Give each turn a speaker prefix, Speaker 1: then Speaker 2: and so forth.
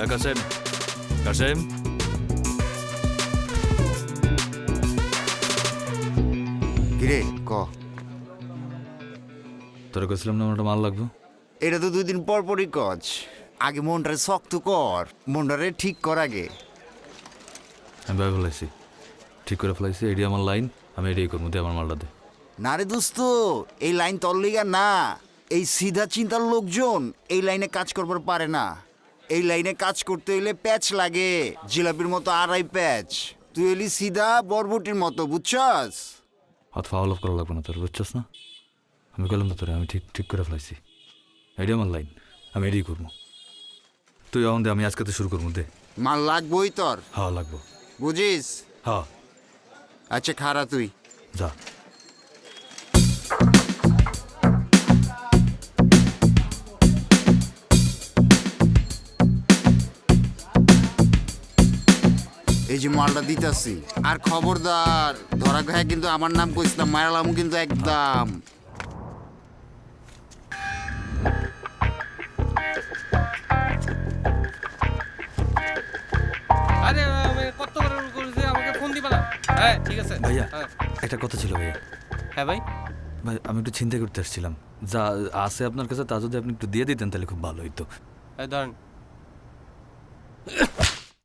Speaker 1: কাসেম কাসেম
Speaker 2: কিরে ক
Speaker 1: তোরা কইছিলাম না আমার একটা মাল লাগবে।
Speaker 2: এটা তো 2 দিন পর পরই কচ। আগে মনটারে শক্ত কর, মনটারে ঠিক কর আগে।
Speaker 1: আমি ভাই ফেলাইছি, ঠিক করে ফেলাইছি। এডি আমার লাইন, আমি এডিই করবো। দে আমার মালটা দে।
Speaker 2: না রে দোস্ত, এই লাইন তোর লিগা না। এই সিধা চিন্তার লোকজন এই লাইনে কাজ করবার পারে না। এই লাইনে কাজ করতে হইলে প্যাচ লাগে, জিলাপির মতো 2.5 প্যাচ। তুই এলি সিধা বরবটির মতো, বুঝছস?
Speaker 1: হাত ফাউল অফ করা লাগবে না তোর, বুঝছস না? আমি বললাম তো তোরে, আমি ঠিক করে ফেলাইছি। এডি আমার লাইন, আমি এডিই করবো। তুই এখন দে, আমি আজকে তো শুরু করবো। দে।
Speaker 2: মাল লাগবই তোর,
Speaker 1: হ্যাঁ লাগবো।
Speaker 2: বুঝিস?
Speaker 1: হ্যাঁ
Speaker 2: আচ্ছা খারা তুই।
Speaker 1: যা।
Speaker 2: এই যে মালটা দিতাছি, আর খবরদার ধরা খায় কিন্তু আমার নাম কইস না, মারালাম কিন্তু একদম।
Speaker 3: আরে আমি কত বার করেছি, আমাকে ফোন দিবা না? হ্যাঁ ঠিক আছে
Speaker 1: ভাইয়া
Speaker 3: হ্যাঁ।
Speaker 1: একটা কথা ছিল ভাইয়া।
Speaker 3: হ্যাঁ ভাই,
Speaker 1: ভাই আমি একটু চিন্তা করতে আসছিলাম, যা আছে আপনার কাছে তা যদি আপনি একটু দিয়ে দিতেন তাহলে খুব ভালো হইতো।
Speaker 3: এই ধরেন।